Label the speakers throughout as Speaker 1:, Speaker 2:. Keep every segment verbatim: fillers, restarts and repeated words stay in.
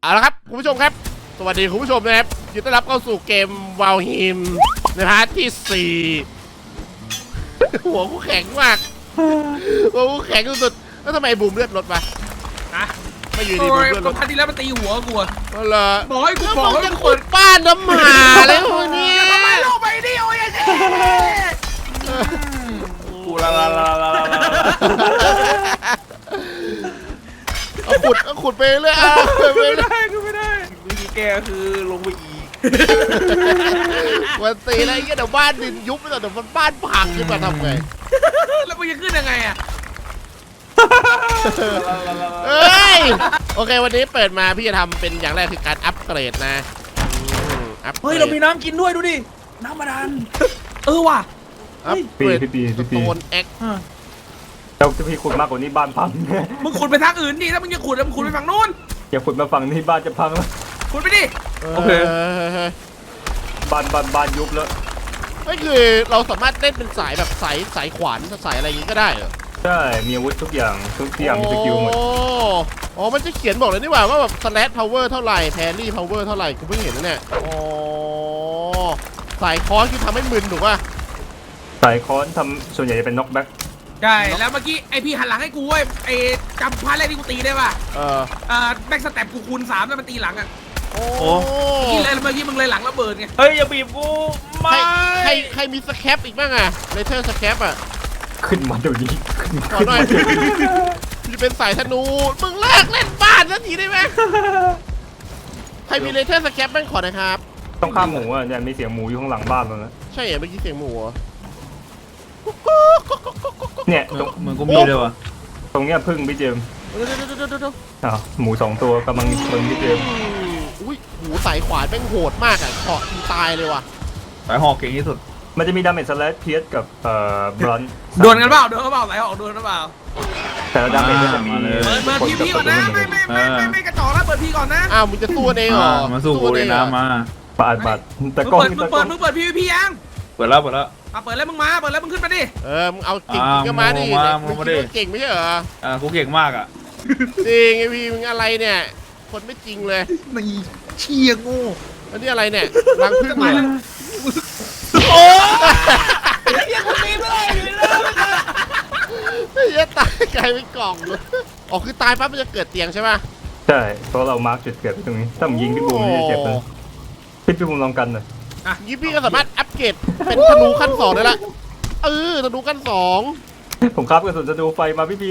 Speaker 1: เอาละครับคุณผู้ชมครับสวัสดีคุณผู้ชมนะครับยินดีต้อนรับเข้าสู่เกมวาลฮิมในพาร์ทที่สี่หัวกูแข็งมากหัวกูแข็งสุดๆแล้วทำไมบูมเลือดลดวะฮะไม่อยู่ดีบูมเลือดลด
Speaker 2: พันที่แล้วมันตีหัวกูอะ
Speaker 1: ก็เลย
Speaker 2: บอกให้กูบอกให้
Speaker 1: จะ
Speaker 2: กู
Speaker 1: ขุดบ้านน้ำหมาเลยพวกนี้
Speaker 2: ทำไมลงไปดิโอ้ยเจ๊กูลาลาลาลาลา
Speaker 1: เอาขุดเอาขุดไปเรื่อยเอาไป
Speaker 2: ไม่
Speaker 1: เรื่อย
Speaker 2: ได้กูไม่ได้วิธีแก้คือลงไปอีก
Speaker 1: วันตีอะไรเงี้ยเดี๋ยวบ้านดินยุบไปต่อเดี๋ยวมันบ้านพังขึ้นมาทำไง
Speaker 2: แล้วมึงจะขึ้นยังไงอะ
Speaker 1: เอ้ยโอเควันนี้เปิดมาพี่จะทำเป็นอย่างแรกคือการอัปเกรดนะอัปเกรด
Speaker 2: เฮ้ยเรามีน้ำกินด้วยดูดิน้ำบาดาลเออว่ะ
Speaker 1: อัปเกรด
Speaker 3: พี่ปีพี่ปี
Speaker 1: โตนเอ็ก
Speaker 3: เจ้าพี่ขุดมากกว่านี้บ้านพัง
Speaker 2: มึงขุดไปทางอื่นดิถ้ามึงจะขุดแล้วมึงขุดไปฝั่งนู้น
Speaker 3: อย่าขุดมาฝั่งนี้บ้านจะพังแล้ว
Speaker 2: ขุดไปดิ
Speaker 1: โอเค
Speaker 3: บ้านบ้านบ้านยุบแล้ว
Speaker 1: ไม่คือเราสามารถเล่นเป็นสายแบบสายสายขวานสายอะไรอย่างงี้ก็ได้เหรอ
Speaker 3: ใช่มีอาวุธทุกอย่างทุกอย่างมีสกิลหมด
Speaker 1: โอ้อ๋อมันจะเขียนบอกเลยนี่หว่าว่าแบบ slash power เท่าไหร่ parry power เท่าไหร่กูเพิ่งเห็นนะเนี่ยอ๋อสายคอร์สคือทำให้มึนถูกป่ะ
Speaker 3: สายค้อนทำส่วนใหญ่จะเป็นน็อกแบ็ก
Speaker 2: ใช่แล้วเมื่อกี้ไอพี่หันหลังให้กูเว้ยไอจำพาร์ทแรกที่กูตีได้ป่ะ
Speaker 1: เออ
Speaker 2: อ่าแบ็กสเต็ปกูคูณสามแล้วมันตีหลังอะ
Speaker 1: โอ้
Speaker 2: เมื่อกี้เลยเมื่อกี้มึงเลยหลังระเบิดไง
Speaker 4: เฮ้ยอย่าบีบกู
Speaker 1: ใคร
Speaker 4: ไม่
Speaker 1: ใครใครมีสแคปอีกบ้างอะเลเทอร์สแคปอะ
Speaker 3: ขึ้นมาเดี๋ยวนี้ขึ้น
Speaker 1: ขอหน่อยจะเป็นสายธนูมึงเลิกเล่นบ้านสักทีได้ไหมใครมีเลเทอร์สแคปบ้างขอหนะครับ
Speaker 3: ต้องข้ามหมูอ่ะเนี่ยมีเสียงหมูอยู่ข้างหลังบ้านแล้วนะ
Speaker 1: ใช่เหรอเมื่อกี้เสียงหมูเหรอ
Speaker 3: เนี่ยตรง
Speaker 4: เหมือนกูมีเลยว่ะ
Speaker 3: ตรงเนี้ยพึ่งพี่เจมส์
Speaker 1: เดี๋ยวเดี๋ยวเดี๋ยวเดี๋ยว
Speaker 3: อ้าวหมูสองตัวกำลังมึงพี่เจมส์
Speaker 1: อุ้ยหูสายขวานแม่งโหดมากอ่ะเฉาะทีตายเลยว่ะ
Speaker 4: สายหอกเก่งที่สุด
Speaker 3: มันจะมีดาเมจสแลชเพียสกับเอ่อบลัน
Speaker 2: ดวลกันเปล่าดวลกันเปล่าไหลออกดวลกันเปล่า
Speaker 3: แต่ละดาเมจก็จะมี
Speaker 2: เปิดเปิดพีพีก่อนนะไม่ไม่ไม่ไม่ไม่กระจอกนะเปิดพีก่อนนะ
Speaker 1: อ้าวมึงจะสู้เองเหรอ
Speaker 4: อ่ามาสู้กูเลยนะมา
Speaker 3: บาดบาด
Speaker 2: มึ
Speaker 3: แต่
Speaker 2: ง
Speaker 3: ก้อ
Speaker 2: เปิ
Speaker 3: น
Speaker 2: ดมึ
Speaker 3: แต่
Speaker 2: ง
Speaker 3: ก้
Speaker 2: เปิ
Speaker 3: อ
Speaker 2: ด
Speaker 3: น
Speaker 2: มึงเปิดพีพียัง
Speaker 4: เปิดแล้วเปิดแล้ว
Speaker 2: อ่ะเปิดแล้วมึงมาเปิดแล้วมึงขึ้นมาดิ
Speaker 1: เออมึงเอาเก่ง
Speaker 4: อ่า
Speaker 1: ก็มาดิ
Speaker 4: มา
Speaker 1: มึง
Speaker 4: มา
Speaker 1: คิด
Speaker 4: ดิ
Speaker 1: ว่าเก่งไม่ใช่เหรอ
Speaker 4: อ่ากูเก่งมากอ่ะ
Speaker 1: จริงไอพี่มึงอะไรเนี่ยคนไม่จริงเลย
Speaker 2: นี่เชี่ยโง่
Speaker 1: อันนี้อะไรเนี่ยรังพึ่งมา
Speaker 2: โอ้ยยังคนนี้ไม่ได้เลยนะ
Speaker 1: ไอ้เหี้ยตายกลายเป็นกล่องเลยอ๋อคือตายปั๊บมันจะเกิดเตียงใช่ป่ะ
Speaker 3: ใช่เพราะเรามาร์กจุดเกิดไปตรงนี้ถ้าผมยิงพี่บูมนี่จะเจ็บนะพี่พี่บูมลองกันหน่อย
Speaker 1: ยี่พี่ก็สามารถอัปเกรดเป็นธนูขั้นสองได้ละเออธนูขั้นสอง
Speaker 3: ผมครับกระสุนจะดูไฟมาพี่พี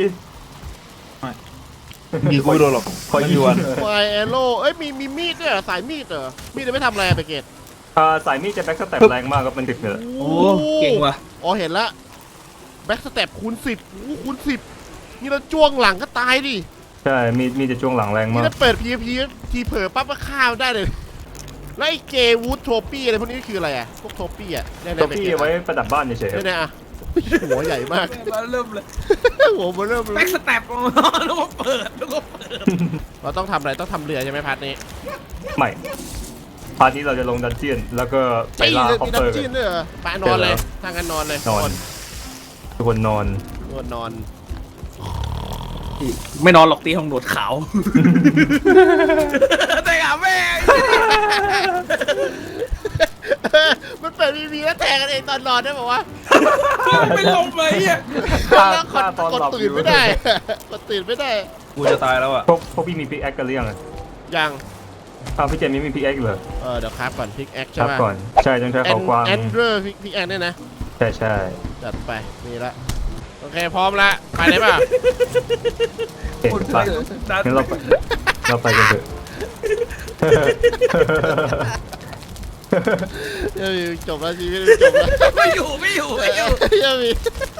Speaker 4: มีกูไม่โดนหรอก
Speaker 3: ขอยิง
Speaker 4: วัน
Speaker 1: ไฟแอโร่เอ้ยมีมีมีดด้วยเหรอสายมีดเหรอมีดจะไม่ทำอะไรอะไปเกต
Speaker 3: อ่าสายมีดจะแบ็กสเต็ปแรงมากครับมันดึกเนี่ย
Speaker 2: โอ้เก่งว่ะ
Speaker 1: อ๋อเห็นละแบ็กสเต็ปคูณสิบโอ้คูณสิบนี่เราจ้วงหลังก็ตายดิ
Speaker 3: ใช่มีดมีดจะช่วงหลังแรง
Speaker 1: นี่
Speaker 3: มาก
Speaker 1: ถ้าเปิด พี พี ทีเผลอปั๊บก็ฆ่ามันได้เลยแล้วไอ้เกวูดโทปี้อะไรพวกนี้คืออะไรอะพวกโทปี้อะได้ใน
Speaker 3: ตัว
Speaker 1: ไป
Speaker 3: พี่
Speaker 1: เกต
Speaker 3: ไว้ประดับบ้านเฉยๆค
Speaker 1: ได้
Speaker 3: รับ
Speaker 1: ในอะหัวใหญ่มาก
Speaker 2: เริ่มเลย
Speaker 1: หัวมันเริ่มเล
Speaker 2: แบ็
Speaker 1: ย
Speaker 2: กสเต็ปแล้วก็เปิดแล้วก็เปิด
Speaker 1: เราต้องทำอะไรต้องทำเรือใช่ไหมพาร์ทนี้
Speaker 3: ไม่พาร์ทนี้เราจะลงดันเจียนแล้วก็ไป
Speaker 1: ไอ้
Speaker 3: ล่า
Speaker 1: เรือ
Speaker 3: คอป
Speaker 1: มี
Speaker 3: เปอร์
Speaker 1: น้ำ
Speaker 3: กั
Speaker 1: จิ้
Speaker 3: น
Speaker 1: นด้วยเหรอไปนอนเลยทางกันนอนเลย
Speaker 3: นอนทุกคนนอน
Speaker 1: นอนนอน
Speaker 2: ไม่นอนหรอกตีห้องโดดขาวแต่หาแม่
Speaker 1: มันเปิด พี พี แล้วแทงกันเองตอนนอนได้ป่าววะ
Speaker 2: ไม่ลงเลยอ่ะ
Speaker 1: แล้วคนคนตื่นไม่ได้คนตื่นไม่ได้
Speaker 4: กูจะตายแล้วอ่ะ
Speaker 3: พวกพวกพี่มีพิกแอคกันหรือยังอะ
Speaker 1: ยัง
Speaker 3: อ้าวพี่เจมส์มีพิกแอคเหรอ
Speaker 1: เออเดี๋ยวครับก่อนพิกแอค
Speaker 3: ค
Speaker 1: ใช่
Speaker 3: รับ
Speaker 1: ป่ะ
Speaker 3: ก่อนใช่ต้องใช้เขากว้าง
Speaker 1: แอนเดอร์พิกแอคเนี่ยนะ
Speaker 3: ใช่ใช่
Speaker 1: จัดไปนี่ละโอเคพร้อมละไปได้ป่ะ
Speaker 3: เห็นปะงั้นเราไปเราไปกันเถอะ
Speaker 1: เดี๋ยวจบแล้วชีวิตจบแล้ว
Speaker 2: ไม่อยู่ไม่อยู่ไม่อยู่
Speaker 1: เดี๋ยวมี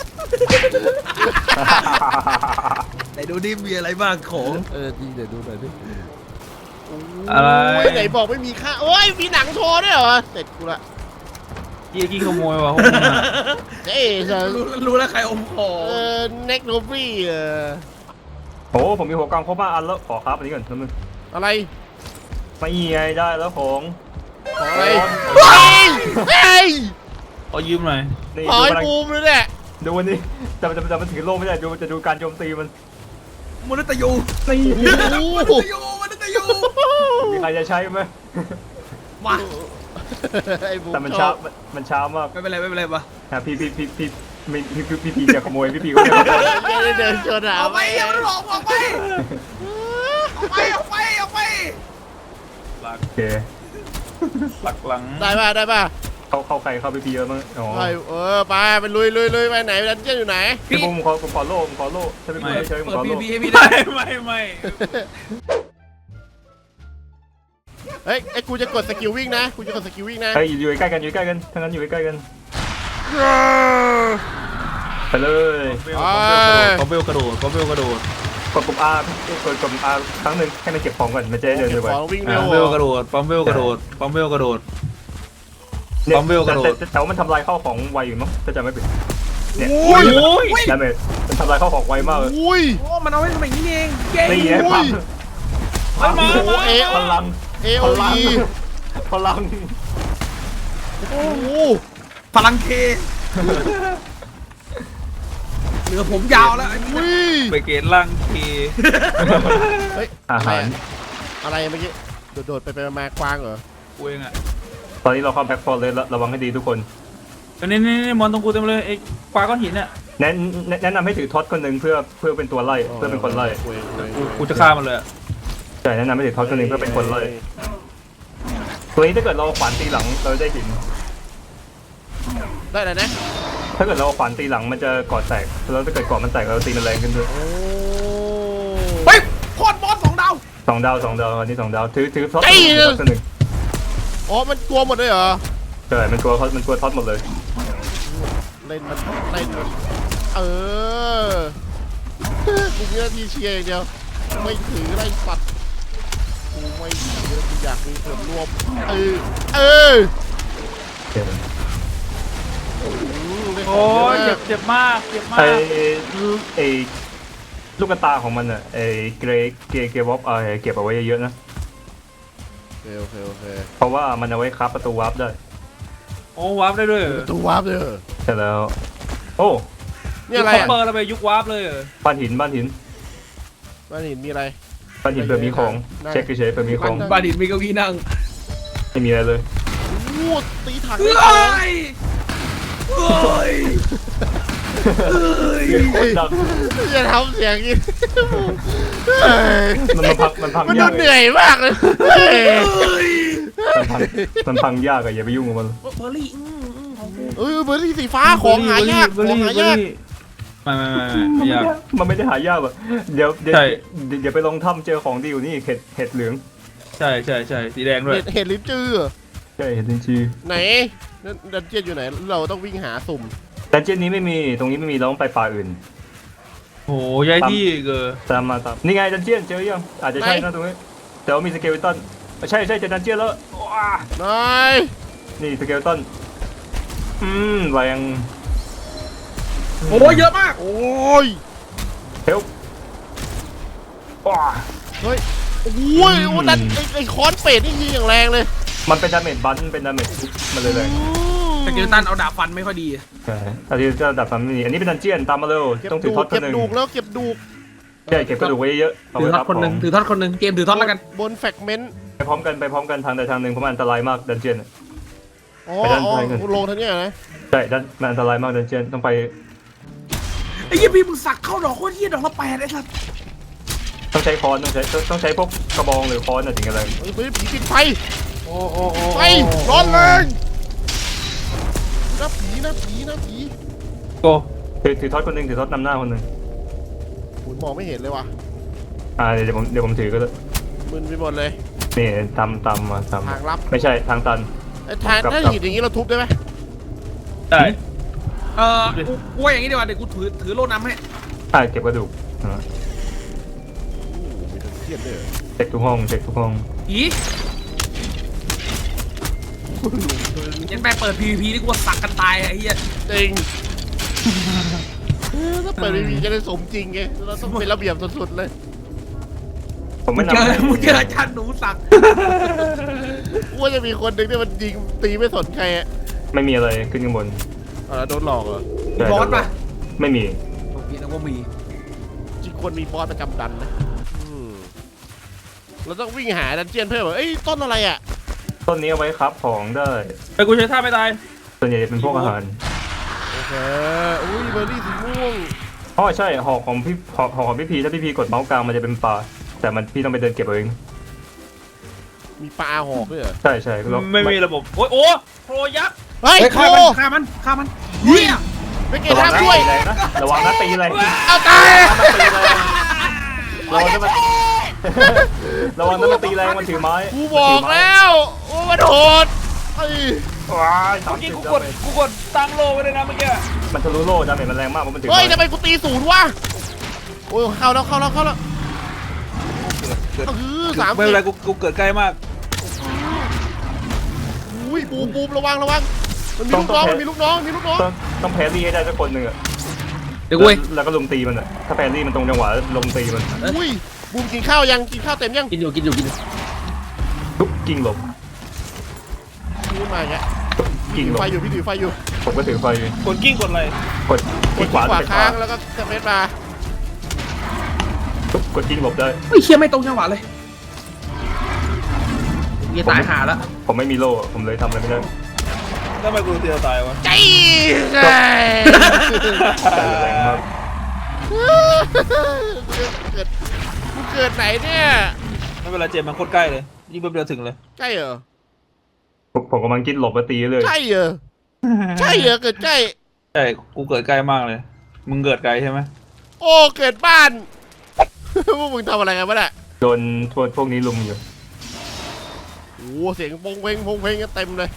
Speaker 2: ไหนดูดิมีอะไรบ้างของ
Speaker 1: เออดีเดี๋ยวดูหน่อยดิ
Speaker 4: อะไร
Speaker 1: โอ้ยไหนบอกไม่มีค่าโอ้ยมีหนังโชว์ด้วยเหรอเสร็จกูละ
Speaker 4: ยี่กี้ขโมยว่ะพวกมึงอะ
Speaker 1: เอ้ยจะ
Speaker 2: รู้รู้แล้วใครอมขอ
Speaker 1: เออเน็กโนบรีเออ
Speaker 3: โอ้ผมมีหัวกลางครบห้าอันแล้วขอครับอันนี้ก่อนนิดนึง
Speaker 1: อะไร
Speaker 3: ไม่อีไงได้แล้วของ
Speaker 1: ของอะไรเฮ้ยเฮ้ย
Speaker 4: ขอยืมหน่อย
Speaker 3: นี่
Speaker 1: ขอ
Speaker 3: ดู
Speaker 1: ให้
Speaker 3: พลัง
Speaker 1: บูมเลยเนี่ย
Speaker 3: ดูวันนี้จะจะจะมันถือโล่ไม่ได้ดูจะดูการโจมตีมัน
Speaker 2: มนุษย์ยู
Speaker 3: นี่
Speaker 1: โอ้โห
Speaker 2: มนุษย์ยูมนุษย์ยู
Speaker 3: มีใครจะใช้ไหม
Speaker 2: มา
Speaker 1: ไอ้บุ๊
Speaker 3: แต่มัน
Speaker 1: ช
Speaker 3: ช้า
Speaker 1: อบ
Speaker 3: มันช้ามาก
Speaker 2: ไม่เป็นไรไม่เป็นไรปะ
Speaker 3: อ่ะพี่พี่พี่พี่ไม่พี่พี่พี่พี่จะขโมยพี่พี่ก็ไม่ได้
Speaker 1: ไม่ได้เดินชนอ่ะ
Speaker 2: เอาไปอย่ามันหลอกออกไปออกไปออกไปออกไป
Speaker 4: หลัก
Speaker 3: โอเค
Speaker 4: หลักหลัง
Speaker 1: ได้ป่ะได้ป่ะ
Speaker 3: เข้าเข้าใครเข้าพี่พี่เยอะมั้งอ๋อ
Speaker 1: ไปเออไปไปลุยลุยลุยไปไหนดันเจี้ยนอยู่ไหน
Speaker 3: พี่ผมขอผมขอโล่ผมขอโล่ถ้าพี่ผมไม่ใช้ผม
Speaker 2: เปิด
Speaker 3: ขอ
Speaker 2: พี
Speaker 3: โล่
Speaker 2: พีให้พี่ได้
Speaker 4: ไม่ไม่ไม่
Speaker 1: เฮ้ยไอ้กูจะกดสกิลวิ่งนะกูจะกดสกิลวิ่งนะ
Speaker 3: เฮ้ยอยู่ใกล้กันอยู่ใกล้กันทั้งนั้นอยู่ใกล้กันไปเลย
Speaker 4: คอมเบลกระโดดคอมเบลกระโดด
Speaker 3: กดปุ่ม R กดกดปุ่ม R ครั้งหนึ่งให้มันเก็บของก่อนมันจะได้เดิน
Speaker 1: เก็บ
Speaker 3: เร็ว
Speaker 1: ของวิ่ง
Speaker 4: ค
Speaker 1: เร็ว
Speaker 4: อมเบลกระโดดคอมเบลกระโดดคอมเบลกระโดด
Speaker 3: เนี่ย
Speaker 4: ปั๊มเวลกระโดด
Speaker 3: แต่แต่ว่ามันทำลายข้าวของไวอยู่มั้งถ้าจำไม่ผิดเนี่ย
Speaker 1: อุ้ย
Speaker 3: ดาเมจมันทำลายข้าวของไวมากเลย
Speaker 1: อุ้ย
Speaker 2: โอ้มันเอาไว้ทำแบบนี้เองเก่ง
Speaker 3: นี่ไง
Speaker 1: อุ้
Speaker 3: ปั๊
Speaker 1: ย
Speaker 3: ม
Speaker 4: มามา
Speaker 1: เอ๊ะ
Speaker 3: พลัง
Speaker 1: เอ
Speaker 3: พ
Speaker 1: โอ
Speaker 3: ลัง
Speaker 1: อี
Speaker 3: พลัง
Speaker 1: โอ้โห
Speaker 2: พลังเคเหลือผมยาวแล้ว
Speaker 1: อุ้ย
Speaker 4: ไปเกตล่างเค
Speaker 1: เฮ้ย
Speaker 3: อาหาร
Speaker 1: อะไรเมื่อกี้โดดๆไปไปมากวางเหรอ
Speaker 4: กูเองอ่ะ
Speaker 3: ตอนนี้เราเข้าแบ็คฟอร์เลยระวังให้ดีทุกคน
Speaker 4: อันนี้นี่นี่มอนตรงกูเต็มเลยไอ้ปลาก้อนหินอ่ะ
Speaker 3: แนะแนะนำให้ถือท็อตคนหนึ่งเพื่อเพื่อเป็นตัวไล่เพื่อเป็นคนไล่
Speaker 1: เว้ยเว้ย
Speaker 4: กูกูจะฆ่ามันเลยอะ
Speaker 3: ใช่แนะนำให้ถือท็อตคนหนึ่งเพื่อเป็นคนไล่ตัวนี้ถ้าเกิดเราเอาขวานตีหลังเราได้หิน
Speaker 1: ได้เลยนะ
Speaker 3: ถ้าเกิดเราเอาขวานตีหลังมันจะกอดแตกแล้วถ้าเกิดกอดมันแตกเราตีมันแรงขึ้นด้วย
Speaker 1: โอ้
Speaker 2: เฮ้ยโคตรบอสสองดาว
Speaker 3: สองดาวสองดาวอันนี้สองดาวถือถือท็อตคนหนึ่ง
Speaker 1: อ๋อมันกลัวหมดเลยเหรอ
Speaker 3: ใช่มันกลัวท็อตมันกลัวท็อตหมดเลย
Speaker 1: เล่นมันเล่นมันเออกูมีหน้าที่เชียร์อย่างเดียวไม่ถือไล่สัตว์กูไม่ถือกูอยากมีส่วนร่วมเออเออ
Speaker 3: เจ็บ
Speaker 1: อืมได้ข
Speaker 4: โอ้
Speaker 1: ง
Speaker 4: ย
Speaker 1: เย
Speaker 4: เจ็
Speaker 1: อะ
Speaker 4: บเจ็บมากเจ็บมา
Speaker 3: ไอก ไอลูกกระตาของมันอ่ะไอเกรเกเกวอปเอาเก็บเอาไว้เยอะๆนะ
Speaker 1: โอเคโอเคโอเค
Speaker 3: เพราะว่ามันเอาไว้คับประตูวาร์ปได้
Speaker 4: โอ้วาร์ปได้ด้วยเหรอ
Speaker 1: ประตูวาร์ปเลยเหรอ
Speaker 3: ใช่แล้ว โอ้
Speaker 1: นี่อะไร
Speaker 4: คอม
Speaker 1: อ่ะ
Speaker 4: เบอร์เราไปยุควาร์ปเลยเหรอ
Speaker 3: บ้านหินบ้านหิน
Speaker 1: บ้านหินมีอะไร
Speaker 3: บ้านหินเผื่อมีของ
Speaker 1: ได้
Speaker 3: เช็คเฉยๆเผื่อมีของ
Speaker 2: บาดินมีเก้าอี้นั่ง
Speaker 3: ไม่มีอะไรเลย
Speaker 1: โอ้ตีถัง
Speaker 2: เฮ้
Speaker 1: ได้ของ
Speaker 2: ยเฮ้ยเฮ้ย
Speaker 3: โคตรดัง
Speaker 1: อย่าทำเสียงอย่างนี้เฮ้ย
Speaker 3: มันมันพังมันพัง
Speaker 1: มันดู
Speaker 3: ยาก
Speaker 1: เหนื่อยมากเลยเฮ้ย
Speaker 3: มันพังมันพังยากอะอย่าไปยุ่งกับมัน
Speaker 2: เบอร์รี่อืมอืมของกู
Speaker 1: เออเบอร์รี่สีฟ้าของหายาก
Speaker 4: เบ
Speaker 1: ข
Speaker 4: อ
Speaker 1: อง
Speaker 4: ร์รี่
Speaker 1: หา
Speaker 4: เบอร์
Speaker 1: ยาก
Speaker 4: รี่ไม่ไม่ไม่ไม่ไม่อยาก
Speaker 3: มันไม่ได้หายากแบบเดี๋ยวเดี๋ยว
Speaker 4: ใช่
Speaker 3: เดี๋ยวเดี๋ยวไปลงถ้ำเจอของดีอยู่นี่เห็ดเห็ดเหลือง
Speaker 4: ใช่ใช่ใช่สีแดงด้วย
Speaker 1: เห็ดเห็ดลิ้นจื้อ
Speaker 3: ใช่เห็ดลินจี
Speaker 1: ไหนนั่นดันเจียนอยู่ไหน เราต้องวิ่งหาสุ่ม
Speaker 3: แต่เจนนี้ไม่มีตรงนี้ไม่มีเราต้องไปป่าอื่น
Speaker 4: โอ้ยย้ายที่เกอ
Speaker 3: ตามมาตามนี่ไงดันเจียนเจอยังอาจจะใช่นะตรงนี้แต่ว่ามีสเกลตันใช่ใช่เจอดันเจียนแล้วว้า
Speaker 1: ไหนาย
Speaker 3: นี่สเกลตันอืมแรง
Speaker 2: โอ้ยเยอะมาก
Speaker 1: โอ้ย
Speaker 3: เฮลว้า
Speaker 1: เฮ้ยโอ้ยโอ้ดันไอ้ไอ้ค้อนเป็ดนี่ยิงอย่างแรงเลย
Speaker 3: มันเป็นดาเมจบันเป็นดาเมจทุบมันเลยเลย
Speaker 2: แต่เกลตันเอาดาบฟันไม่ค่อยดี
Speaker 3: ใช่อันนี้จะดับฟันไม่มีอันนี้เป็นดันเจียนตามมาเร็ว
Speaker 1: เก็บ
Speaker 3: ต้องถื
Speaker 1: ดู
Speaker 3: อก ท็อตค
Speaker 1: เก็
Speaker 3: น
Speaker 1: บ
Speaker 3: หนึ่ง
Speaker 1: ดูกแล้วเก็บดูก
Speaker 3: ใช่เก็บกระดูกไว้เยอะเอา
Speaker 2: ถื
Speaker 3: ไว้
Speaker 2: อท็อ
Speaker 3: รั
Speaker 2: ต
Speaker 3: บ
Speaker 2: คนหนึ่ง
Speaker 3: ของ
Speaker 2: ถือท็อตคนหนึ่งเกมถือท็อตแล้วกัน
Speaker 1: บนแฟกเมนต์
Speaker 3: ไปพร้อมกันไปพร้อมกันทางใดทางหนึ่งเพราะมันอันตรายมากดันเจียน
Speaker 1: อ๋อ
Speaker 3: ไปด้าน
Speaker 1: อ๋อ
Speaker 3: ซ้ายก่อน
Speaker 1: ลงทางเนี้ยนะ
Speaker 3: ใช่ดันมันอันตรายมากดันเจียนต้องไป
Speaker 2: ไอ้ยี่พี่มึงสักเข้าดอกโคตรเยี่ยดอกละแปดไอ้สัส
Speaker 3: ต้องใช้ค้อนต้องใช้ต้องต้องใช้พวกกระบองหรือค้อนอะถึงอะไร
Speaker 1: เฮ้ยเฮ้ยผีกินไฟ
Speaker 2: โอ้โอ้โอ้
Speaker 1: ไฟร้อนแรงนะผีนะผีนะผี
Speaker 4: โก
Speaker 3: ถือถือท็อตคนหนึ่งถือท็อตนำหน้าคนหนึ่ง
Speaker 1: โอ้ยมองไม่เห็นเลยว่ะ
Speaker 3: อ่าเดี๋ยวผมเดี๋ยวผมถือก็ได้
Speaker 1: มึนไปหมดเลย
Speaker 3: นี่ตามตามมาตาม
Speaker 1: ทางลับ
Speaker 3: ไม่ใช่ทางตัน
Speaker 1: ไอ้ทาง
Speaker 3: กลับ
Speaker 1: ถ้าก
Speaker 3: ลับ
Speaker 1: หินอย่างนี้เราทุบได้ไหม
Speaker 4: ได้
Speaker 2: เออกูกูว่าอย่างนี้ดีกว่าเดี๋ยวกูถือถือโล่น้ำให้
Speaker 3: อ่าเก็บกระดูกอ่า
Speaker 1: โอ้โหมีทางเครียดเลยเหรอ
Speaker 3: เช็คทุกห้องเช็คทุกห้อง
Speaker 2: อียังแม่เปิด พี วี พี นี่กูว่าสักกันตายไอ้เหี้ย
Speaker 1: จริงเออถ้าเปิดไม่มีจะได้สมจริงไงเราต้องเป็นระเบียบสุดๆเลย
Speaker 3: ผม
Speaker 2: มึ
Speaker 3: ไม่
Speaker 2: ง
Speaker 3: นำ
Speaker 2: เจอ
Speaker 3: ให้
Speaker 2: มึงเจออาจารย์หนูสัก
Speaker 1: ว่าจะมีคนหนึ่งที่มันยิงตีไม่สนใครอ่ะ
Speaker 3: ไม่มีอะไรขึ้นข้างบน
Speaker 1: เอาละโดนหลอกเหรอ
Speaker 2: มีบอสป่ะ
Speaker 3: ไม่มี
Speaker 2: โอเคนะว่ามี
Speaker 1: จริงคนมีบอสประจำดันนะอืมเราต้องวิ่งหาดันเจียนเพิ่มเหรอเอ้ยต้นอะไรอ่ะ
Speaker 3: ต้นนี้เอาไว้ครับของได้
Speaker 4: ไปกูใช้ท่าไม่ตาย
Speaker 3: ส่วนใหญ่จะเป็นพวกอาหาร
Speaker 1: โอเคอุ้ยเบอร์รี่สีม่วง
Speaker 3: อ๋อใช่หอกของพี่หอกหอกของพี่พีถ้าพี่พีกดเมาส์กลางมันจะเป็นปลาแต่มันพี่ต้องไปเดินเก็บเอาเอง
Speaker 1: มีปลาหอกด้วยเหรอ
Speaker 3: ใช่ใช่แล้ว
Speaker 4: ไม่มีระบบโอ้ยโอ้โปรยักษ์
Speaker 1: เฮ้ย
Speaker 2: เฮ้ย
Speaker 1: โค
Speaker 2: ฆ่ามันฆ่ามันฆ่ามันเฮีย
Speaker 1: ไม่เก
Speaker 3: ระวั
Speaker 1: ล้าง
Speaker 3: นะ
Speaker 1: ช่วย
Speaker 3: ตีแรงนะระวังนะตีแรง
Speaker 1: เอาตาย
Speaker 3: ระวังนะมันระวังนะมันตีแรงมันถือไม้
Speaker 1: กูบอกแล้วว่ามันโหดเอ้ย
Speaker 3: ว้ายสาม
Speaker 4: เมื่อ
Speaker 3: สิ
Speaker 4: กี้
Speaker 3: บ
Speaker 4: กู
Speaker 3: ดาก
Speaker 4: ด
Speaker 3: เมจ
Speaker 4: กูกดตั้งโลไว้เลยนะเมื่อกี้
Speaker 3: มันทะลุโล่ดาเมจมันแรงมากเพราะมันถือ
Speaker 1: เฮ้ย
Speaker 3: ไม้
Speaker 1: ทำไมกูตีศูนย์วะโอ้ยเข้าแล้วเข้าแล้วเข้าแล้วเออสาม
Speaker 4: ไม่เป็นไรกูกูเกิดใกล้มาก
Speaker 1: อุ้ยบูมบูมระวังระวังมันมีลูกน้องมันมีลูกน้องมีลูกน้อง
Speaker 3: ต้องต้องแพรรี่ให้ได้สักคนหนึ่งอะ
Speaker 2: เดี๋ยวกูเอง
Speaker 3: แล้วก็ลุมตีมันอะถ้าแพรรี่มันตรงจังหวะลุมตีมัน
Speaker 1: อุ้ยบูมกินข้าวยังกินข้าวเต็มยัง
Speaker 2: กินอยู่กินอยู่กินอยู่
Speaker 3: ทุบกิ้งหลบ
Speaker 1: นี่มาอย่างเงี้ย
Speaker 3: ทุบกิ้งหลบ
Speaker 1: ไฟอยู่พี่ถือไฟอยู่
Speaker 3: ผมก็ถือไฟอยู่
Speaker 4: กดกิ้งกดอะไร
Speaker 3: กด
Speaker 1: ก
Speaker 3: ที่
Speaker 1: ด
Speaker 3: ขวา
Speaker 1: ขวา
Speaker 3: เป็นข
Speaker 1: ค้าง
Speaker 3: วา
Speaker 1: แล้วก็สเปซมา
Speaker 3: ทุบกดกิ้งหลบได้
Speaker 2: ไม่เชี่ยไม่ตรงจังหวะเลยเฮียตายหาแล้ว
Speaker 3: ผมไม่มีโล่ผมเลยทำอะไรไม่ได้
Speaker 4: ทำไมกูเตียวตายวะ
Speaker 1: ใจใช่
Speaker 3: แต่แรงมาก
Speaker 1: เกิดกูเกิดไหนเนี่ย
Speaker 4: ไม่เป็นไรเจมมันโคตรใกล้เลยยิ่งแป๊บเดียวถึงเลย
Speaker 1: ใช่เหรอ
Speaker 3: ผมผมกำลังกินหลบมาตีเลย
Speaker 1: ใช่เหรอใช่เหรอเกิดใกล้
Speaker 4: ใช่กูเกิดใกล้มากเลย มึงเกิดไกลใช่ไหม
Speaker 1: โอ้เกิดบ้าน พวกมึงทำอะไรกันวะเนี่ย
Speaker 3: โดนพวกพวกนี้ลุมอยู่
Speaker 1: โอ้เสียงปงเพลงปงเพลงกันเต็มเลย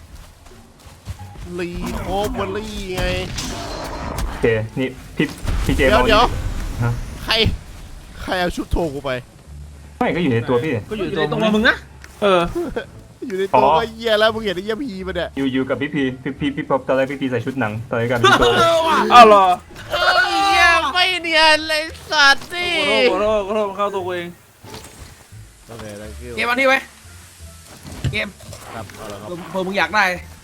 Speaker 1: ลีโคบอลลี่ไง
Speaker 3: โอเคนี่พี่พี่เจ
Speaker 1: เดี๋
Speaker 3: ม
Speaker 1: ยว
Speaker 3: อา
Speaker 1: เดี๋ยว
Speaker 3: ฮะ
Speaker 1: ใครใครเอาชุดโทกูไป
Speaker 3: ไม่ก็อยู่ในตัวพี่
Speaker 4: ก็อ
Speaker 2: อยู่ ยู่
Speaker 4: ตรง
Speaker 2: ตรงมือมึงนะ
Speaker 4: เออ
Speaker 1: อยู่ในตัว
Speaker 3: อ๋อ
Speaker 1: ก็เยี่ยแล้วมึงเห็นไอ้เยี่ยพีมันเนี่ย
Speaker 3: อยู่อยู่กับพี่พีพี่พีพี่พบตอนแรกพี่พีใส่ชุดหนังตอนนี้กันพี่โต
Speaker 4: อ้าวเหรอ
Speaker 1: เอ้ยเยี่ยไม่เนียนเลยสัตว์สิ
Speaker 4: ขอโทษขอโทษขอโทษมันเข้าตัวกูเอง
Speaker 1: โอเค thank you
Speaker 2: เกมอันนี้ไว้เกม
Speaker 1: ครับเอาละครับ
Speaker 2: เพิ่มมึงอยากได้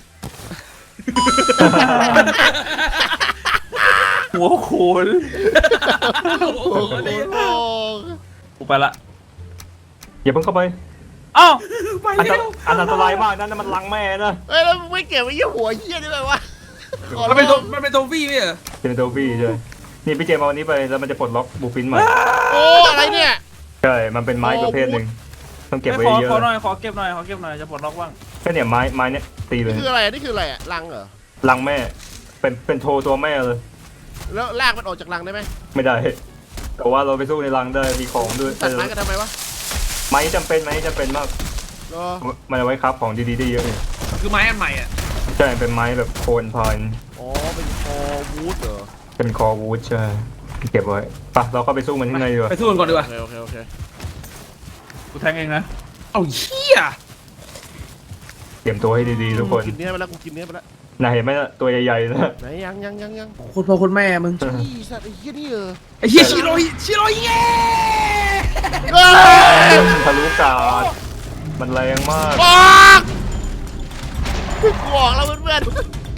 Speaker 4: หัวโขน
Speaker 1: โอ้โห
Speaker 4: กูไปละ
Speaker 3: อย่าเพิ่งเข้าไป
Speaker 4: อ้าว
Speaker 2: ไป
Speaker 3: อันต
Speaker 2: แล้
Speaker 3: รายอันตรายมากนั่นนะมันลังแม่นะ
Speaker 1: เอ้ยแล้วมึงไม่เก็บไอ้เยี่ยหัวเยี่ยนี่เลยวะขอ
Speaker 2: มัน
Speaker 1: โท
Speaker 2: เป็น
Speaker 1: ษ
Speaker 2: มันเป็นโทฟี่ไหมเหรอ
Speaker 3: เจนโดฟี่ใช่นี่พี่เจมเอาวันนี้ไปแล้วมันจะปลดล็อกบูฟินใหม่
Speaker 1: โอ้อะไรเนี่ย
Speaker 3: ใช่มันเป็นไม้ประเภทหนึ่งต้องเก็บไว้
Speaker 4: ขอ
Speaker 3: เยอะ
Speaker 4: ขอหน่อยขอเก็บหน่อยขอเก็บหน่อยจะปลดล็อกบ้าง
Speaker 3: ก็เนี่ยไม้ไม้เนี่ยตีเลย
Speaker 1: นี่คืออะไรอ่ะนี่คืออะไรอ่ะรังเหรอ
Speaker 3: ลังแม่เป็นเป็นโทตัวแม่เลย
Speaker 1: แล้วลากมันออกจากรังได้ไหม
Speaker 3: ไม่ได้ แต่ว่าเราไปสู้ในรังได้มีของด้วย
Speaker 1: ตัดไม้กันทำไมวะ
Speaker 3: ไม้จำเป็นไหมจำเป็นมาก
Speaker 1: รอ
Speaker 3: มันเอาไว้ครับของดีๆได้เยอะเลย
Speaker 2: คือไม้อันใหม่อ่ะ
Speaker 3: ใช่เป็นไม้แบบโคนพาย
Speaker 1: อ๋อเป็นคอวูดเหรอ
Speaker 3: เป็นคอวูดใช่เก็บไว้ปะเราเข้าไปสู้มันที่ไหนดีกว่า
Speaker 2: ไปสู้กันก่อนดีก
Speaker 1: โอ
Speaker 2: ว่า
Speaker 1: เคโอเคโอเค
Speaker 4: กูแทงเองนะ
Speaker 2: เอาเชี่ย
Speaker 3: เตรียมตัวให้ดีๆทุกคน
Speaker 1: กินเนื้อไปแล้วกูกินเนื้อไปแล้ว
Speaker 3: นายเห็นไหมล่ะตัวใหญ่ๆนะ
Speaker 1: ไหนยังยังยังยัง
Speaker 2: คนพ่อคนแม่มึง
Speaker 1: อีสัตว์ไอ้เหี้ยนี่เออ
Speaker 2: ไอ้เหี้ยชิโร่ชิโร่เย่
Speaker 1: เฮ้ย
Speaker 3: ทะลุกาดมันแรงมาก
Speaker 1: บอกกูบอกแล้วเพื่อน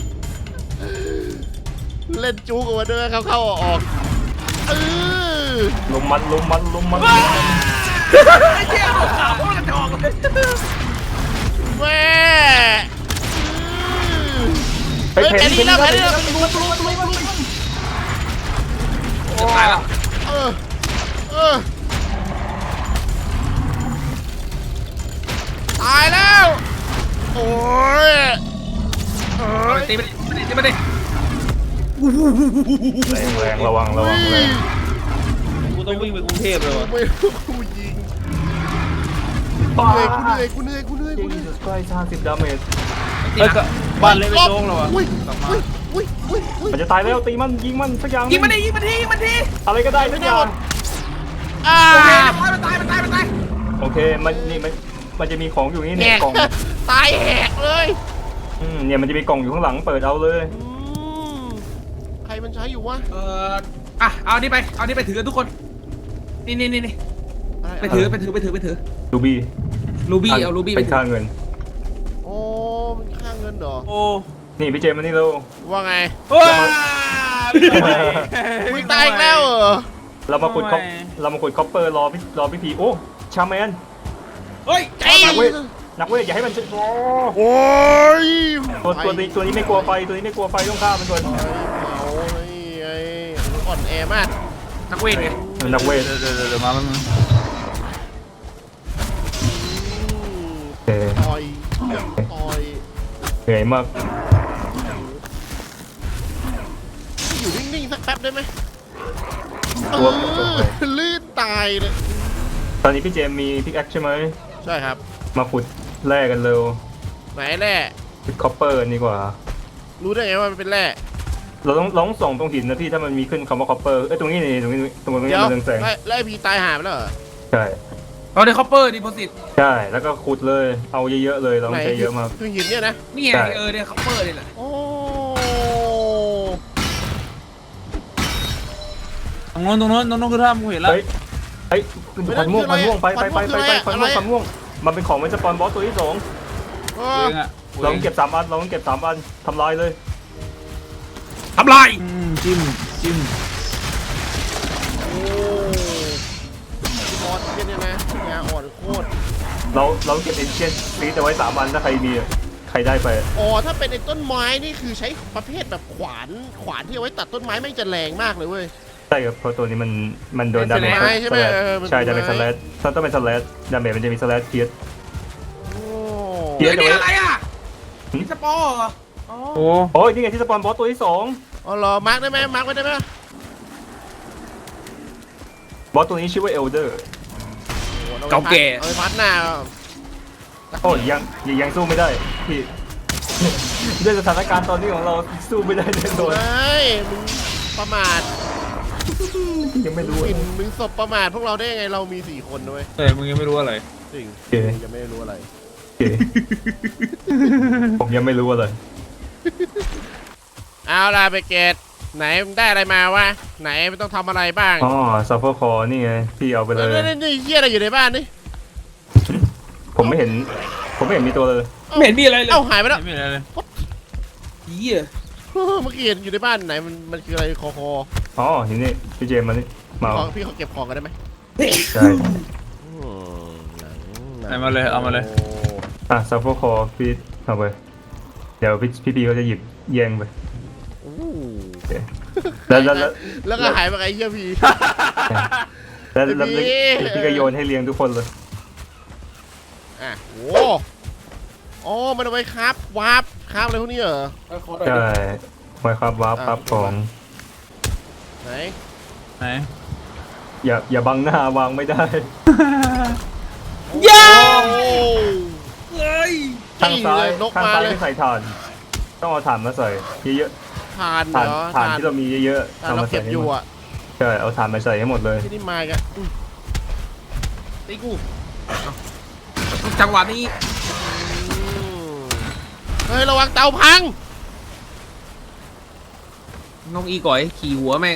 Speaker 1: ๆเล่นจู๊กับมันด้วยเข้าเข้าออกออกเออ
Speaker 3: ลุมมันลุมมันลุมมัน
Speaker 2: ไอ้เหี้ยขาวมันกระจอกเลย
Speaker 1: แม่
Speaker 3: เฮ้ย
Speaker 1: เฮ้ย
Speaker 3: เพ
Speaker 1: แผ
Speaker 3: น
Speaker 1: น
Speaker 3: เพ
Speaker 1: นี้
Speaker 3: น
Speaker 1: แล้วแผน
Speaker 3: เพ
Speaker 1: นี้
Speaker 3: น
Speaker 1: แล้ว
Speaker 2: จะตายแล้ว
Speaker 1: เออเออตายแล้วโอ้ยเฮ้ย
Speaker 2: ตีมันดิตีมันดิ
Speaker 3: แรงแรงระวังระวังแรง
Speaker 4: กูต้องวิ่งไปกรุงเทพเลยวะ
Speaker 1: ไม่รู้กูยิงกูเหนื่อยกูเหนื่อยกูเหนื่อยกูเหนื่อยกูเหนื่อย
Speaker 3: Jesus Christ ห้าสิบดาเมจ
Speaker 4: เฮ้ยก็บ้านเล็กไม่โจ้งแล้ววะ
Speaker 1: อุ้ย
Speaker 4: กลับมา
Speaker 1: อุ้ยอุ้ยอุ้ยอุ้ย
Speaker 3: มันจะตายแล้วตีมันยิงมันสักอย่าง
Speaker 2: ยิงมันดิยิงมันดิยิงมันดิ
Speaker 3: อะไรก็ได้สักอย่าง
Speaker 1: อ่า
Speaker 2: โอเคมันตายมันตายมันตาย
Speaker 3: โอเคมันนี่มันมันจะมีของอยู่นี่
Speaker 1: แห
Speaker 3: เนี่ย
Speaker 1: ก
Speaker 3: กล่อง
Speaker 1: ตายแหกเลย
Speaker 3: อืมเนี่ยมันจะมีกล่องอยู่ข้างหลังเปิดเอาเลย
Speaker 1: อืมใครมันใช้อยู่วะ
Speaker 2: เอออ่ะเอานี่ไปเอานี่ไปถือกันทุกคนนี่นี่นี่นี่
Speaker 1: อะไร
Speaker 2: ไปถือไปถือไปถือไปถือ
Speaker 3: รูบี้
Speaker 2: รูบี้เอารูบี้ไป
Speaker 3: เป็น
Speaker 2: ถื
Speaker 3: ค่า
Speaker 2: อ
Speaker 3: เงิน
Speaker 1: โอ้มันค่าเงินเหรอ
Speaker 4: โอ้
Speaker 3: นี่พี่เจมส์มานี่เร็ว
Speaker 1: ว่าไง
Speaker 4: ว้า
Speaker 1: มึงตายอีกแล้วเหรอ
Speaker 3: เรามาขุดคอป
Speaker 4: ทำไม
Speaker 3: เรามาขุดคอปเปอร์รอพี่รอพี่พีโอ้ชาแมน
Speaker 2: เฮ้ย
Speaker 1: ไอ้
Speaker 3: นักเวทนักเวทอย่าให้มันโอ้
Speaker 1: โอ้ย
Speaker 3: ตัวตัวนี้ตัวนี้ไม่กลัวไฟตัวนี้ไม่กลัวไฟต้องฆ่ามันก่อน
Speaker 1: ไฟเผาไอ้ไอ้อ่อนแอมาก
Speaker 2: นักเวทไง
Speaker 3: นักเวท
Speaker 4: เดี๋ยวเดี๋ยวเดี๋ยวมามัน
Speaker 3: โอเค
Speaker 1: ต่อยต่อย
Speaker 3: เหนื่อยมาก
Speaker 1: อยู่นิ่งๆสักแป๊บได้ไหมเอ
Speaker 3: ตัว
Speaker 1: อลื่นตายเลย
Speaker 3: ตอนนี้พี่เจมมีพิกแอคใช่ไหม
Speaker 1: ใช่ครับ
Speaker 3: มาขุดแร่กันเร็ว
Speaker 1: ไหนแร่
Speaker 3: ขุดคอปเปอร์ดีกว่า
Speaker 1: รู้ได้ไงว่ามันเป็นแร่
Speaker 3: เราต้องลองส่องตรงหินนะพี่ถ้ามันมีขึ้นคำว่าคอปเปอร์เอ้ยตรงนี้นี่ตรงนี้ตรงนี้
Speaker 1: เดี๋ยว
Speaker 3: มันเรืองแสง
Speaker 1: ไล่ไล่พีตายหาไปแล้วเหรอ
Speaker 3: ใช่
Speaker 2: เอาในคอปเปอร์ดิโพสิต
Speaker 3: ใช่แล้วก็ขุดเลยเอาเยอะๆเลยเราต้องใช้เยอะมาก
Speaker 1: คือหินเนี่ยนะ
Speaker 2: นี่ไง
Speaker 3: ใช่
Speaker 2: เออเนี่ยคอปเปอร์นี่แหละ
Speaker 1: โอ้
Speaker 4: ตรงโน้นตรงโน้นตรงโน้นคือถ้ำกูเห็นแล้ว
Speaker 3: เฮ้ยเฮ้ยควันม่วงควันม่วงไปไปไปไปไปควันม่วงควันม่วงมันเป็นของไว้สปอนบอสตัวที่สอง
Speaker 1: เอ
Speaker 4: กู
Speaker 1: อ
Speaker 4: เองอ่ะ
Speaker 3: เราต้องเก็บสามอันเราต้องเก็บสามอันทำลายเลย
Speaker 2: ทำลาย
Speaker 4: อืมจิ้มจิ้ม
Speaker 1: โอ้อ่อนเช่นเนี่ยนะงาอ่อนโคตร
Speaker 3: เราเราต้องเก็บเอนเชียนซีดเอาไว้สามอันถ้าใครมีใครได้ไป
Speaker 1: อ๋อถ้าเป็นไอ้ต้นไม้นี่คือใช้ประเภทแบบขวานขวานที่เอาไว้ตัดต้นไม้ไม่งจะแรงมากเลยเว้ย
Speaker 3: ใช่ครับเพราะตัวนี้มันมันโดนดาเมจ
Speaker 1: เป็นสแลชใช่ไหมเออมัน
Speaker 3: ใช่จะเป็น
Speaker 1: เป็น
Speaker 3: ส
Speaker 1: ไม้
Speaker 3: แลชถ้าต้องเป็นสแลชดาเมจมันจะมีสแลชเทียส
Speaker 1: โอ้
Speaker 3: เดี๋
Speaker 2: เดี๋
Speaker 3: ย
Speaker 2: ยว วนี่อะไรอ่ะ
Speaker 3: หืม
Speaker 2: นี่สปอร์เหรอ
Speaker 1: อ๋อ
Speaker 4: โอ้
Speaker 3: โอ้ยนี่ไงที่สปอนบอสตัวที่สอง
Speaker 1: อ๋อเหรอมาร์กได้ไหมมาร์กไว้ได้ไหม
Speaker 3: บอสตัวนี้ชื่อว่าเอลเดอร์
Speaker 2: เก่าแก่
Speaker 1: เอาไปพัดหน้า
Speaker 3: โอ้ยยังยังยังสู้ไม่ได้พี่ ด้วยสถานการณ์ตอนนี้ของเราสู้ไม่ได้แน่นอน
Speaker 1: เฮ้ยมึงประมาท
Speaker 3: ยังไม่รู้
Speaker 1: ปิ่นมึงศพประมาทพวกเราได้ยังไงเรามีสี่คนด้วย
Speaker 4: แต่มึงยังไม่รู้อะไร
Speaker 1: จริง
Speaker 3: โอเค
Speaker 1: ยังไม่รู้อะไร
Speaker 3: โอเคผมยังไม่รู้อะไร
Speaker 1: เอาล่ะไปเกตไหนมึงได้อะไรมาวะไหนมันต้องทำอะไรบ้าง
Speaker 3: อ๋อซัฟเฟอร์คอร์นี่ไงพี่เอาไปเลย
Speaker 1: นี่นี่เหี้ยอะไรอยู่ในบ้านนี่
Speaker 3: ผมไม่เห็น ผมไม่เห็นมีตัวเลย
Speaker 2: ไม่เห็นมีอะไรเลย
Speaker 1: เอ้าหายไปแล้ว
Speaker 4: ไม่มีอะไรเลย
Speaker 2: เหี้ย
Speaker 1: เมื่อกี้เห็นอยู่ในบ้านไหนมันมันคืออะไรคอคอ
Speaker 3: อ๋อเห็นนี่พี่เจมส์มานี่มา
Speaker 1: ขอ
Speaker 3: เอา
Speaker 1: พี่เขาเก็บของกันได้ไหม
Speaker 3: ใช่
Speaker 1: อืมหนังหนัง
Speaker 4: ไหนมาเลยเอามาเลย
Speaker 1: โ
Speaker 3: อ่ะซัฟเฟอร์คอร์พี่เอาไปเดี๋ยวพี่พี่พีเขาจะหยิบแย่งไป
Speaker 1: โอ้
Speaker 3: โอเคแล้วแล้วแล้ว
Speaker 1: แล้วก็หายไปไอ้เหี้ยพี่
Speaker 3: แล้วแล้ว
Speaker 1: พี่
Speaker 3: แล้วพี่ก็โยนให้เลี้ยงทุกคนเลย
Speaker 1: อ่ะโอ้อ๋อมันเอาไว้ครับวาร์ปครับอะไรพวกนี้เหรอ
Speaker 2: ขอหน่อย
Speaker 3: ใช่ไว้ครับวาร์ปครับของ
Speaker 1: ไหน
Speaker 4: ไหน
Speaker 3: อย่าอย่าบังหน้าวางไม่ได้
Speaker 2: ย่า
Speaker 1: โอ้
Speaker 2: เฮ้ย
Speaker 3: ข้างซ้าย
Speaker 1: นก
Speaker 3: ข้าง
Speaker 1: มา
Speaker 3: ซ้าย
Speaker 1: เลย
Speaker 3: ไม่ใส่ถ่าน ต้องเอาถ่านมาใส่เยอะ
Speaker 1: ทาน
Speaker 3: ๆ
Speaker 1: เหร
Speaker 3: ถ่าน
Speaker 1: อ
Speaker 3: ถ่านที่เรามีเยอะๆ
Speaker 1: ทาน
Speaker 3: เอา
Speaker 1: เรา
Speaker 3: มาใส่
Speaker 1: เก็บ
Speaker 3: ให้
Speaker 1: อ
Speaker 3: ห
Speaker 1: ยู่
Speaker 3: มด
Speaker 1: อ่ะ
Speaker 3: ใช่เอาถ่านมาใส่ให้หมดเลย
Speaker 1: ที่นี่มาอีกันอืมตีกู
Speaker 2: จังหวะนี้
Speaker 1: อืมเฮ้ยระวังเตาพัง
Speaker 2: น้องอีก่อยขี่หัวแม่ง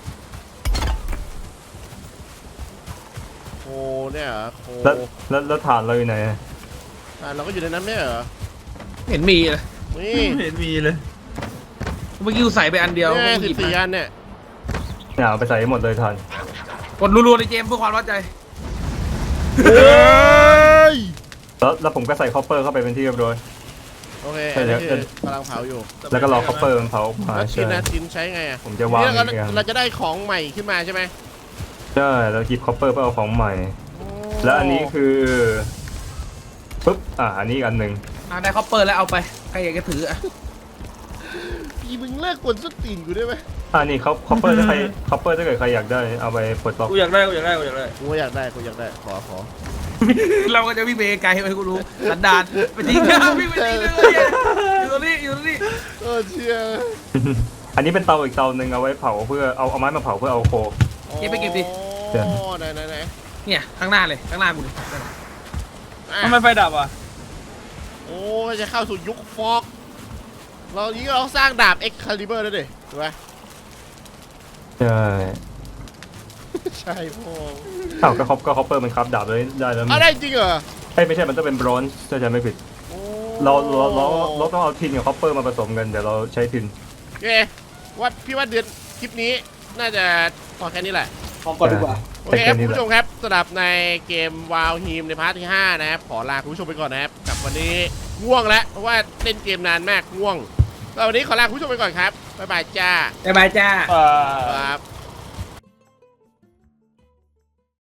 Speaker 1: โคเนี่ยเหรอโค
Speaker 3: แล้วแล้วแล้วถ่านเราอยู่ไหน
Speaker 1: อ่าเราก็อยู่ในนั้นเนี่ยเหรอ
Speaker 2: เห็นมีเลย
Speaker 1: นี่
Speaker 4: ไม่เห็นมีเลย
Speaker 2: เมื่อกี้กูใส่ไปอันเดียว
Speaker 1: เนี่ย
Speaker 2: กูห
Speaker 1: สิ
Speaker 2: ยิ
Speaker 1: บบ สี่
Speaker 2: มา
Speaker 1: อันเนี่ย
Speaker 3: เนี่ยเอาไปใส่ให้หมดเลยถ่าน
Speaker 2: กดรัวๆในเจมส์เพื่อความวัดใจ
Speaker 1: เฮ้ย
Speaker 3: แล้วแล้วผมก็ใส่คอปเปอร์เข้าไปเป็นที่เรียบร้อย
Speaker 1: โอเค
Speaker 3: ใช่
Speaker 1: อัน
Speaker 3: แล้
Speaker 1: นี้
Speaker 3: ว
Speaker 1: คือกำลังเผาอยู่
Speaker 3: แล้วก็รอคอปเปอร์มันเผาออกมา
Speaker 1: แล้ว
Speaker 3: ใช่
Speaker 1: ชิ้นนะชิ้นใช้ไงอ่ะ
Speaker 3: ผมจะวาง
Speaker 1: นี่เรา
Speaker 3: อีกอย่าง
Speaker 1: เราจะได้ของใหม่ขึ้นมาใช่ไหม
Speaker 3: ใช่เราหยิบคอปเปอร์เพื่อเอาของใหม่ แล้วอันนี้คือปุ๊บอ่ะอันนี้อีกอันหนึ่ง
Speaker 2: อ่ะได้คอปเปอร์แล้วเอาไปใครอยากจะถืออ่ะ
Speaker 1: พี่มึงเลิกกวนส้นตีนกูได้ไหม
Speaker 3: อ่านี่เขาคอปเปอร์ถ้าใครคอปเปอร์ถ้าเกิดใครอยากได้เอาไปปลดล็อก
Speaker 4: กูอยากได้กูอยากได้กูอยากได้
Speaker 1: กูอยากได้กูอยากได้ขอขอ
Speaker 2: เราก็จะวิ่งไปไกลไปกูรู้สันดานไปทิ้งนะวิ่งไปทิ้งเลยอยู่ตรงนี้อยู่ตรงนี้
Speaker 1: เออเชีย
Speaker 3: อันนี้เป็นเตาอีกเตาหนึ่งเอาไว้เผาเพื่อเอาเอาไม้มาเผาเพื่อเอาโค
Speaker 2: เก็บไปเก็บดิ
Speaker 3: เดี๋ยว
Speaker 1: โอ้ไหนไหนไหน
Speaker 2: เนี่ยข้างหน้าเลยข้างหน้ากูเลย
Speaker 1: อ่ะ
Speaker 4: ทำไมไฟดับอ่ะ
Speaker 1: โอ้จะเข้าสู่ยุคฟอกเรานี้เราสร้างดาบ Excalibur แล้วดิถูกไหม
Speaker 3: ใช่
Speaker 1: ใช่พ่อ
Speaker 3: อ้าวก็คอปก็คอปเปอร์มันครับดาบเลยได้แล้ว
Speaker 1: เอาได้จริงเหรอ
Speaker 3: เอ้ยไม่ใช่มันต้องเป็นบรอนซ์ถ้าจำไม่ผิด
Speaker 1: โอ้
Speaker 3: เราเราเราเราต้องเอาทินกับคอปเปอร์มาผสมกันเดี๋ยวเราใช้ทิน
Speaker 1: โอเคว่าพี่ว่าเดือนคลิปนี้น่าจะพอแค่นี้แหละ
Speaker 2: พอก่อนดีกว่า
Speaker 1: โอเคครับคุณผู้ชมครับสำหรับในเกมวาวฮีมในพาร์ทที่ห้านะครับขอลาคุณผู้ชมไปก่อนนะครับกับวันนี้ง่วงแล้วเพราะว่าเล่นเกมนานมากง่วงแล้ววันนี้ขอลาคุณผู้ชมไปก่อนครับบ๊ายบายจ้า
Speaker 2: บ๊ายบายจ้า
Speaker 1: ครับ